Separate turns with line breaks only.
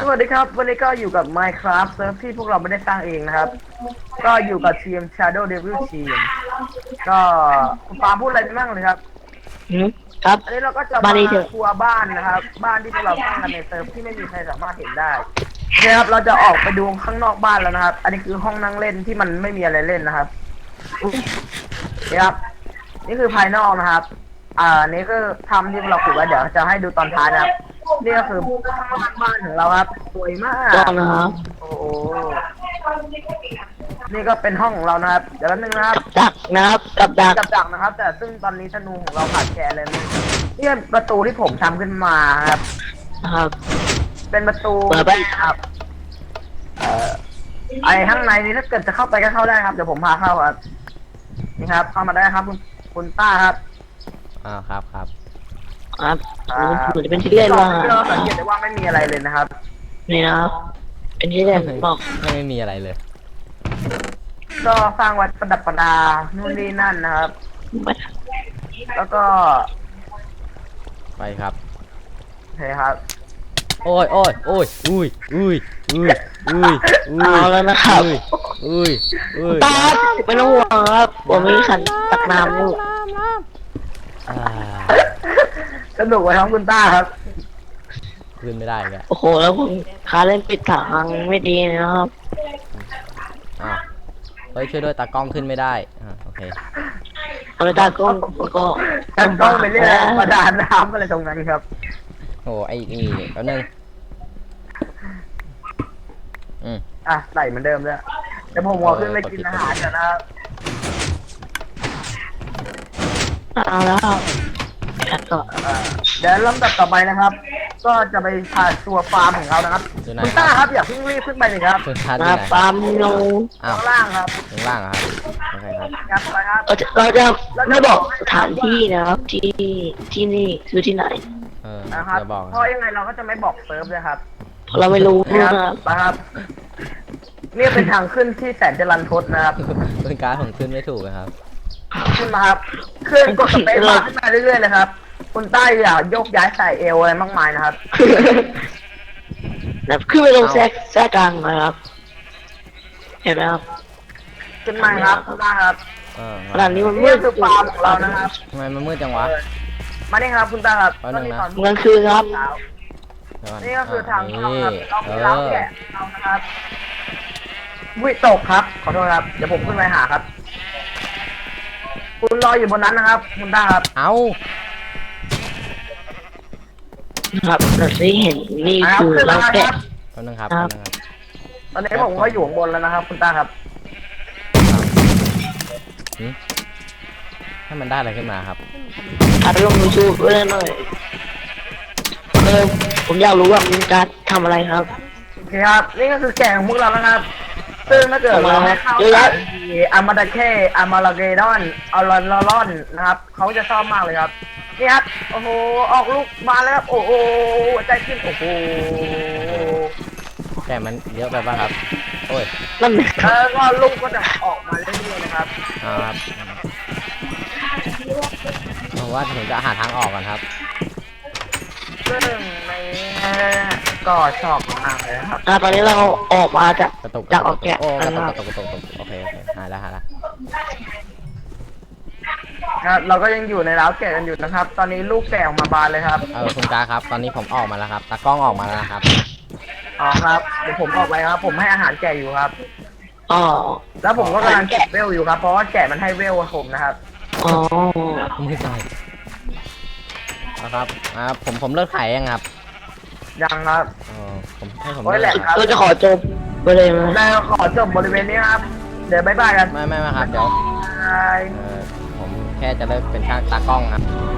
วัสดีครับวันนี้ก็อยู่กับ Minecraft เซิร์ฟที่พวกเราไม่ได้สร้างเองนะครับก็อยู่กับทีม Shadow Devil Team ก็คุณปาพูดอะไรไปบ้างเลยครับ
ครับ
อันนี้เราก็จะมาทัวร์บ้านนะครับบ้านที่พวกเราสร้างกันในเซิร์ฟที่ไม่มีใครสามารถเห็นได้นะครับเราจะออกไปดูข้างนอกบ้านแล้วนะครับ อันนี้คือห้องนั่งเล่นที่มันไม่มีอะไรเล่นนะครับนี่ครับนี่คือภายนอกนะครับนี่คือทำที่เราขุดไว้เดี๋ยวจะให้ดูตอนท้ายนะครับนี่ก็คือบ้านของเราครับสวยมาก
นะครับ
โอ้โหนี่ก็เป็นห้องของเรานะครับเดี๋ยวแป๊บนึงนะครับ
กับดักนะครับกับดัก
นะครับแต่ซึ่งตอนนี้ธนูของเราขาดแคลนเลยนี่เป็นประตูที่ผมทำขึ้นมาครับเป็นประตูครับไอข้างในนี้ถ้าเกิดจะเข้าไปก็เข้าได้ครับเดี๋ยวผมพาเข้าครับนี่ครับเข้ามาได้ครับคุณต้าครับ
ครับมันจะเป็นที่เล่นว่า
เราสังเกตได้ว่าไม่มีอะไรเลยนะครับ
นี่นะครับเป็นที่เล่นบอก
ไม่มีอะไรเลย
ก็สร้างวัดประดับประดานู่นนี่นั่นนะครับแล้วก็
ไปครับ
โอเคครับ
โอ้ยอุ้ย
เอาแล้วนะครับตาไม่ต้องห่วงครับผมมีขันตักน้ำอยู่
สนุกไหมครับคุณต้าครับ
ขึ้นไม่ได้แก
โอ้โหแล้วผมขาเล่นปิดทางไม่ดีนะครับ
เฮ้ยช่วยด้วยตากล้องขึ้นไม่ได้โอเค
ตากล้องก็
ต้องไปเรียกประดานน้ำอะไรตรงนั้นครับ
โอ้ไอ้นี่แป๊บนึง
ใส่เหมือนเดิมเลยเดี๋ยวผมขึ้นไปกินอาหารกันนะครับ
เอาแล้ว
เดี๋ยวลำดับต่อไปนะครับก็จะไปพาทัวร์ฟาร์มของเรานะครับคุณต้าครับอย่าเพิ่งรีบขึ้นไปเลยครับ
ฟาร์มลง
ข้างล่างครับ
ข้างล่างครับโอเค
ครับไปครับ
เราจะไม่บอกสถานที่นะครับที่นี่คือที่ไหน
นะครับเพราะยังไงเราก็จะไม่บอกเซิร์ฟเลยครับ
เราไม่รู้
นะครับนี่เป็นทางขึ้นที่แสนจะรันทดนะครับ
เป็นการผมขึ้นไม่ถูกนะครับ
ขึ้นมาครับเครื่องกดสเปซบาร์ขึ้นมาเรื่อยๆเลยครับคุณใต้อย่าโยกย้ายใส่เอวอะไรมากมายนะครับ
ขึ้นไปลงแทรกกลางนะครับเห็นไหมครับ
ขึ้นมาครับขึ้นมาครับ
ขนาดนี้มันมืด
คือฟาร์มของเรานะครับ
ทำไมมันมืดจังวะ
มานี่ครับคุณตาครับ
ตอนนี้
กลางคืนครับ
นี่ก็คือทางเข้าครับเรามีร้านแกะเรานะครับวิตกครับขอโทษครับเดี๋ยวผมขึ้นไปหาครับคุณรออยู่บนนั้นนะครับคุณตาครับ
เอา
ครับเราได้เห็นนี่คือร้านแกะ
ตอนนึงครับ
ตอนนี้ผมก็อยู่ข้างบนแล้วนะครับคุณตาครับ
ให้มันได้อะไรขึ้นมาครับ
อัดลงยูทูบด้วยหน่อยผมอยากรู้ว่ามีการทำอะไรครับ
โอเคครับนี่ก็คือแกะของพวกเรานะครับซึ่งถ้าเกิดเราให้เข้ากับอามาดาเคอามาลาเกดอนอาลอนนะครับเขาจะชอบมากเลยครับนี่ครับโอ้โหออกลูกมาแล้วครับโอ้โหใจขึ้นโอ้โห
แต่มันเยอะไปป่ะครับโอ้ย
นั่น
ก็ลูกก็จะออกมาเรื่อยๆนะครับ
ครับผมว่าผมจะหาทางออกก่อนครับ
ซึ่งในก็ชอบมากเลยครับ
ตอนนี้เราออกมาจากออกแกะ
ตกโอเคหาแล้ว
เราก็ยังอยู่ในร้าวแกะกันอยู่นะครับ ตอนนี้ลูกแกะออกมาบานเลยครับ
คุณกาครับตอนนี้ผมออกมาแล้วครับตากล้องออกมาแล้วครับ
ครับเดี๋ยวผมออกไปครับผมให้อาหารแกะอยู่ครับแล้วผมก็กำลังเก็บเวลอยู่ครับเพราะว่าแกะมันให้เวลผมนะครับ
ไม่ใช่ครับผมเลิกขายยังครับ
ยังครับ
ผมให้ผม
เราจะขอจบไปเลยไหม
เราขอจบบริเวณนี้ครับเดี๋ยวบายบายกัน
ไม่ครับเดี๋ยวผมแค่จะเลิกเป็นช่างตากล้องครับ